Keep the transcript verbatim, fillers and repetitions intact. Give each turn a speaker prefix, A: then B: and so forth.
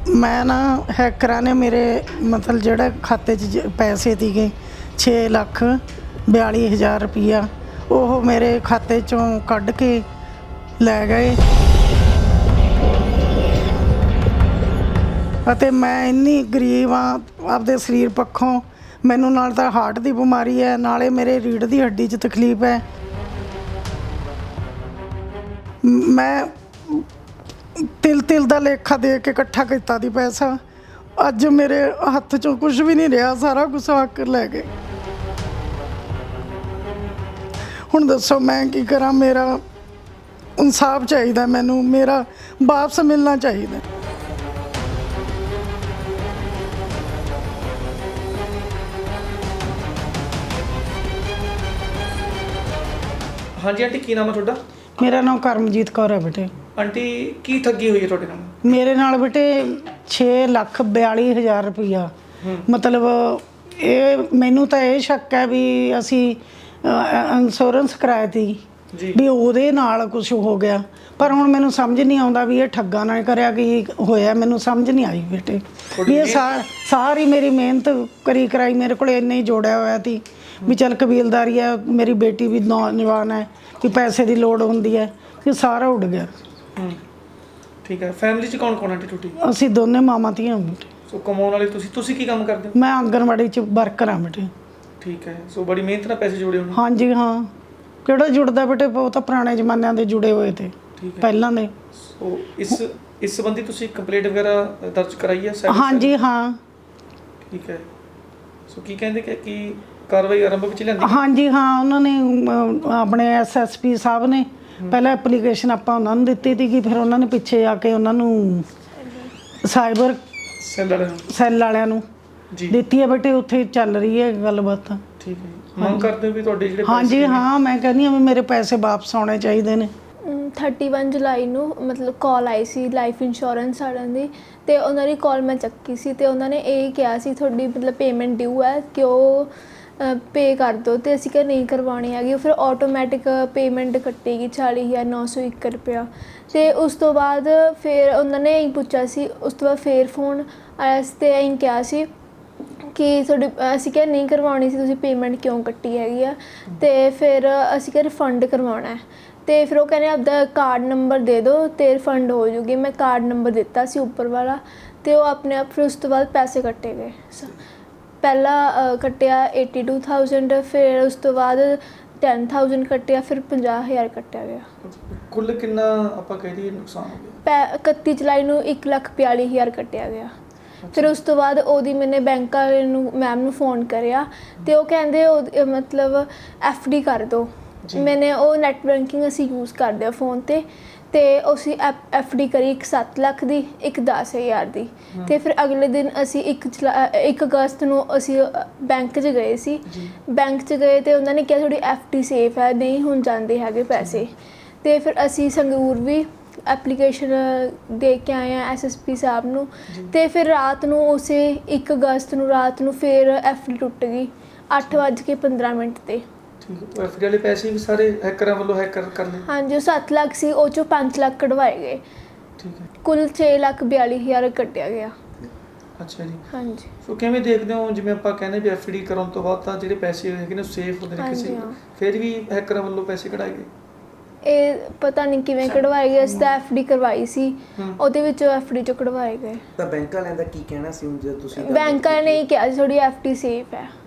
A: ਮੈਂ ਨਾ ਹੈਕਰਾਂ ਨੇ ਮੇਰੇ ਮਤਲਬ ਜਿਹੜਾ ਖਾਤੇ 'ਚ ਜ- ਪੈਸੇ ਸੀਗੇ ਛੇ ਲੱਖ ਬਿਆਲੀ ਹਜ਼ਾਰ ਰੁਪਈਆ ਉਹ ਮੇਰੇ ਖਾਤੇ 'ਚੋਂ ਕੱਢ ਕੇ ਲੈ ਗਏ ਅਤੇ ਮੈਂ ਇੰਨੀ ਗਰੀਬ ਆ ਆਪਦੇ ਸਰੀਰ ਪੱਖੋਂ। ਮੈਨੂੰ ਨਾਲ ਤਾਂ ਹਾਰਟ ਦੀ ਬਿਮਾਰੀ ਹੈ, ਨਾਲੇ ਮੇਰੇ ਰੀੜ੍ਹ ਦੀ ਹੱਡੀ 'ਚ ਤਕਲੀਫ ਹੈ। ਮ- ਮੈਂ ਤਿਲ ਤਿਲ ਦਾ ਲੇਖਾ ਦੇ ਕੇ ਇਕੱਠਾ ਕੀਤਾ ਦੀ ਪੈਸਾ, ਅੱਜ ਮੇਰੇ ਹੱਥ 'ਚੋਂ ਕੁਝ ਵੀ ਨਹੀਂ ਰਿਹਾ, ਸਾਰਾ ਕੁਝ ਹੱਕ ਲੈ ਗਏ। ਹੁਣ ਦੱਸੋ ਮੈਂ ਕੀ ਕਰਾਂ? ਮੇਰਾ ਇਨਸਾਫ ਚਾਹੀਦਾ, ਮੈਨੂੰ ਮੇਰਾ ਵਾਪਸ ਮਿਲਣਾ ਚਾਹੀਦਾ।
B: ਹਾਂਜੀ ਆਂਟੀ, ਕੀ ਨਾਮ ਹੈ ਤੁਹਾਡਾ?
A: ਮੇਰਾ ਨਾਮ ਕਰਮਜੀਤ ਕੌਰ ਹੈ ਬੇਟੇ।
B: ਆਂਟੀ, ਕੀ ਠੱਗੀ ਹੋਈ ਹੈ ਤੁਹਾਡੇ ਨਾਲ?
A: ਮੇਰੇ ਨਾਲ ਬੇਟੇ ਛੇ ਲੱਖ ਬਿਆਲੀ ਹਜ਼ਾਰ ਰੁਪਈਆ, ਮਤਲਬ ਇਹ ਮੈਨੂੰ ਤਾਂ ਇਹ ਸ਼ੱਕ ਹੈ ਵੀ ਅਸੀਂ ਇੰਸ਼ੋਰੈਂਸ ਕਰਾਇਆ ਤੀ
B: ਜੀ
A: ਵੀ ਉਹਦੇ ਨਾਲ ਕੁਝ ਹੋ ਗਿਆ, ਪਰ ਹੁਣ ਮੈਨੂੰ ਸਮਝ ਨਹੀਂ ਆਉਂਦਾ ਵੀ ਇਹ ਠੱਗਾ ਨਾਲ ਕਰਿਆ ਕੀ ਹੋਇਆ। ਮੈਨੂੰ ਸਮਝ ਨਹੀਂ ਆਈ ਬੇਟੇ ਵੀ ਇਹ ਸਾ- ਸਾਰੀ ਮੇਰੀ ਮਿਹਨਤ ਕਰੀ ਕਰਾਈ ਮੇਰੇ ਕੋਲ ਇੰਨੇ ਹੀ ਜੋੜਿਆ ਹੋਇਆ ਸੀ ਵੀ ਚੱਲ ਕਬੀਲਦਾਰੀ ਹੈ, ਮੇਰੀ ਬੇਟੀ ਵੀ ਨੌਜਵਾਨ ਹੈ ਵੀ ਪੈਸੇ ਦੀ ਲੋੜ ਹੁੰਦੀ ਹੈ, ਇਹ ਸਾਰਾ ਉੱਡ ਗਿਆ।
B: ਹੂੰ ਠੀਕ ਹੈ। ਫੈਮਿਲੀ 'ਚ ਕੌਣ ਕੌਣ ਆਂਟੀ ਤੁਹਾਡੀ?
A: ਅਸੀਂ ਦੋਨੇ ਮਾਵਾਂ ਧੀਆਂ ਬੇਟੇ।
B: ਸੋ ਕਮਾਉਣ ਵਾਲੇ ਤੁਸੀਂ ਤੁਸੀਂ ਕੀ ਕੰਮ ਕਰਦੇ ਹੋ?
A: ਮੈਂ ਆਂਗਣਵਾੜੀ 'ਚ ਵਰਕਰ ਹਾਂ ਬੇਟੇ।
B: ਠੀਕ ਹੈ। ਸੋ ਬੜੀ ਮਿਹਨਤ ਨਾਲ ਪੈਸੇ ਜੋੜੇ ਹੋਣੇ।
A: ਹਾਂਜੀ ਹਾਂ, ਕਿਹੜਾ ਜੁੜਦਾ ਬੇਟੇ, ਉਹ ਤਾਂ ਪੁਰਾਣੇ ਜ਼ਮਾਨਿਆਂ ਦੇ ਜੁੜੇ ਹੋਏ ਤੇ
B: ਠੀਕ ਹੈ।
A: ਪਹਿਲਾਂ ਦੇ।
B: ਸੋ ਇਸ ਇਸ ਸੰਬੰਧੀ ਤੁਸੀਂ ਕੰਪਲੇਂਟ ਵਗੈਰਾ ਦਰਜ ਕਰਾਈ ਹੈ? cyber
A: ਹਾਂਜੀ
B: cell?
A: ਹਾਂ
B: ਠੀਕ ਹੈ। ਸੋ ਕੀ ਕਹਿੰਦੇ ਕਿ ਕੀ ਕਾਰਵਾਈ ਆਰੰਭ ਵਿੱਚ ਲਿਆਂਦੀ?
A: ਹਾਂਜੀ ਹਾਂ, ਉਹਨਾਂ ਨੇ ਅਮ, ਆਪਣੇ ਐਸ ਐਸ ਪੀ ਸਾਹਿਬ ਨੇ ਪਹਿਲਾਂ ਐਪਲੀਕੇਸ਼ਨ ਆਪਾਂ ਉਹਨਾਂ ਨੂੰ ਦਿੱਤੀ ਸੀਗੀ, ਫਿਰ ਉਹਨਾਂ ਨੇ ਪਿੱਛੇ ਆ ਕੇ ਉਹਨਾਂ ਨੂੰ ਸਾਈਬਰ
B: ਸੈੱਲ ਵਾਲਿਆਂ ਨੂੰ?
A: ਸੈੱਲ ਵਾਲਿਆਂ ਨੂੰ
B: ਜੀ
A: ਦਿੱਤੀ ਹੈ ਬੇਟੇ। ਉੱਥੇ ਚੱਲ ਰਹੀ ਹੈ ਗੱਲਬਾਤ।
B: ਠੀਕ ਹੈ। ਮੰਗ ਕਰਦੇ ਹੋ ਵੀ ਤੁਹਾਡੇ ਜਿਹੜੇ
A: ਹਾਂਜੀ
B: ਪੈਸੇ ਨੇ-
A: ਹਾਂ, ਮੈਂ ਕਹਿੰਦੀ ਹਾਂ ਵੀ ਮੇਰੇ ਪੈਸੇ ਵਾਪਸ ਆਉਣੇ ਚਾਹੀਦੇ ਨੇ।
C: ਇਕੱਤੀ ਜੁਲਾਈ ਨੂੰ ਮਤਲਬ ਕਾਲ ਆਈ ਸੀ ਲਾਈਫ ਇੰਸ਼ੋਰੈਂਸ ਵਾਲਿਆਂ ਦੀ, ਅਤੇ ਉਹਨਾਂ ਦੀ ਕਾਲ ਮੈਂ ਚੱਕੀ ਸੀ ਅਤੇ ਉਹਨਾਂ ਨੇ ਇਹ ਕਿਹਾ ਸੀ ਤੁਹਾਡੀ ਮਤਲਬ ਪੇਮੈਂਟ ਡਿਊ ਹੈ ਕਿ ਉਹ ਪੇ ਕਰ ਦਿਓ, ਅਤੇ ਅਸੀਂ ਕਿਹਾ ਨਹੀਂ ਕਰਵਾਉਣੀ ਹੈਗੀ। ਉਹ ਫਿਰ ਆਟੋਮੈਟਿਕ ਪੇਮੈਂਟ ਕੱਟੇਗੀ ਚਾਲੀ ਹਜ਼ਾਰ ਨੌ ਸੌ ਇੱਕ ਰੁਪਇਆ। ਅਤੇ ਉਸ ਤੋਂ ਬਾਅਦ ਫਿਰ ਉਹਨਾਂ ਨੇ ਇਹੀ ਪੁੱਛਿਆ ਸੀ, ਉਸ ਤੋਂ ਬਾਅਦ ਫਿਰ ਫੋਨ ਆਇਆ ਸੀ ਅਤੇ ਇਹੀ ਕਿਹਾ ਸੀ ਕਿ ਤੁਹਾਡੀ, ਅਸੀਂ ਕਿਹਾ ਨਹੀਂ ਕਰਵਾਉਣੀ ਸੀ, ਤੁਸੀਂ ਪੇਮੈਂਟ ਕਿਉਂ ਕੱਟੀ ਹੈਗੀ ਆ? ਅਤੇ ਫਿਰ ਅਸੀਂ ਕਿਹਾ ਰਿਫੰਡ ਕਰਵਾਉਣਾ ਹੈ, ਅਤੇ ਫਿਰ ਉਹ ਕਹਿੰਦੇ ਆਪਦਾ ਕਾਰਡ ਨੰਬਰ ਦੇ ਦਿਓ ਅਤੇ ਰਿਫੰਡ ਹੋ ਜੂਗੀ। ਮੈਂ ਕਾਰਡ ਨੰਬਰ ਦਿੱਤਾ ਸੀ ਉੱਪਰ ਵਾਲਾ, ਅਤੇ ਉਹ ਆਪਣੇ ਆਪ ਫਿਰ ਉਸ ਤੋਂ ਬਾਅਦ ਪੈਸੇ ਕੱਟੇ ਗਏ। ਪਹਿਲਾਂ ਕੱਟਿਆ eighty two thousand, ਫਿਰ ਉਸ ਤੋਂ ਬਾਅਦ ten thousand ਕੱਟਿਆ, ਫਿਰ ਪੰਜਾਹ ਹਜ਼ਾਰ ਕੱਟਿਆ ਗਿਆ।
B: ਕੁੱਲ ਕਿੰਨਾ ਆਪਾਂ ਕਹਿ ਦਈਏ ਨੁਕਸਾਨ ਹੋ ਗਿਆ?
C: ਪੈ ਇਕੱਤੀ ਜੁਲਾਈ ਨੂੰ ਇੱਕ ਲੱਖ ਬਿਆਲੀ ਹਜ਼ਾਰ ਕੱਟਿਆ ਗਿਆ। ਫਿਰ ਉਸ ਤੋਂ ਬਾਅਦ ਉਹਦੀ ਮੈਨੇ ਬੈਂਕ ਵਾਲੇ ਨੂੰ ਮੈਮ ਨੂੰ ਫ਼ੋਨ ਕਰਿਆ, ਅਤੇ ਉਹ ਕਹਿੰਦੇ ਉਹ ਮਤਲਬ ਐਫ ਡੀ ਕਰ ਦਿਓ। ਮੈਨੇ ਉਹ ਨੈੱਟ ਬੈਂਕਿੰਗ ਅਸੀਂ ਯੂਜ਼ ਕਰਦੇ ਹਾਂ ਫ਼ੋਨ 'ਤੇ, ਅਤੇ ਅਸੀਂ ਐਫ ਐਫ ਡੀ ਕਰੀ ਇੱਕ ਸੱਤ ਲੱਖ ਦੀ, ਇੱਕ ਦਸ ਹਜ਼ਾਰ ਦੀ। ਅਤੇ ਫਿਰ ਅਗਲੇ ਦਿਨ ਅਸੀਂ ਇੱਕ ਜੁਲਾ ਇੱਕ ਅਗਸਤ ਨੂੰ ਅਸੀਂ ਬੈਂਕ 'ਚ ਗਏ ਸੀ। ਬੈਂਕ 'ਚ ਗਏ ਅਤੇ ਉਹਨਾਂ ਨੇ ਕਿਹਾ ਤੁਹਾਡੀ ਐਫ ਡੀ ਸੇਫ ਹੈ, ਨਹੀਂ ਹੁਣ ਜਾਂਦੇ ਹੈਗੇ ਪੈਸੇ। ਅਤੇ ਫਿਰ ਅਸੀਂ ਸੰਗਰੂਰ ਵੀ ਐਪਲੀਕੇਸ਼ਨ ਦੇ ਕੇ ਆਏ ਹਾਂ ਐਸ ਐਸ ਪੀ ਸਾਹਿਬ ਨੂੰ, ਅਤੇ ਫਿਰ ਰਾਤ ਨੂੰ ਉਸੇ ਇੱਕ ਅਗਸਤ ਨੂੰ ਰਾਤ ਨੂੰ ਫਿਰ ਐਫ ਡੀ ਟੁੱਟ ਗਈ ਅੱਠ ਵੱਜ ਕੇ ਪੰਦਰਾਂ ਮਿੰਟ 'ਤੇ।
B: ਠੀਕ ਹੈ। ਐਫ ਡੀ ਵਾਲੇ ਪੈਸੇ ਵੀ ਸਾਰੇ ਹੈਕਰਾਂ ਵੱਲੋਂ ਹੈਕਰ ਕਰ ਲਏ?
C: ਹਾਂਜੀ, ਉਹ ਸੱਤ ਲੱਖ ਸੀ, ਉਹ 'ਚੋਂ ਪੰਜ ਲੱਖ ਕਢਵਾਏ ਗਏ।
B: ਠੀਕ ਹੈ।
C: ਕੁੱਲ ਛੇ ਲੱਖ ਬਿਆਲੀ ਹਜ਼ਾਰ ਕੱਟਿਆ ਗਿਆ।
B: ਅੱਛਾ ਜੀ।
C: ਹਾਂਜੀ।
B: ਸੋ ਕਿਵੇਂ ਦੇਖਦੇ ਹੋ, ਜਿਵੇਂ ਆਪਾਂ ਕਹਿੰਦੇ ਵੀ ਐਫ ਡੀ ਕਰਾਉਣ ਤੋਂ ਬਾਅਦ ਤਾਂ ਜਿਹੜੇ ਪੈਸੇ ਹੈਗੇ ਨੇ ਸੇਫ ਹੁੰਦੇ ਨੇ ਕਿਸੇ,
C: ਹਾਂਜੀ, ਹਾਂ।
B: ਫਿਰ ਵੀ ਹੈਕਰਾਂ ਵੱਲੋਂ ਪੈਸੇ ਕਢਾਏ ਗਏ?
C: ਇਹ ਪਤਾ ਨਹੀਂ ਕਿਵੇਂ ਕਢਵਾਏ ਗਏ। ਅਸੀਂ ਤਾਂ ਐਫ ਡੀ ਕਰਵਾਈ ਸੀ, ਉਹਦੇ ਵਿੱਚੋਂ ਐਫ ਡੀ 'ਚੋਂ ਕਢਵਾਏ ਗਏ।
D: ਤਾਂ ਬੈਂਕ ਵਾਲਿਆਂ ਦਾ ਕੀ ਕਹਿਣਾ ਸੀ ਹੁਣ ਜੇ ਤੁਸੀਂ ਗੱਲ
C: ਬੈਂਕ ਵਾਲਿਆਂ ਨੇ ਇਹ ਕਿਹਾ ਸੀ ਤੁਹਾਡੀ ਐਫ ਡੀ ਸੇਫ ਹੈ।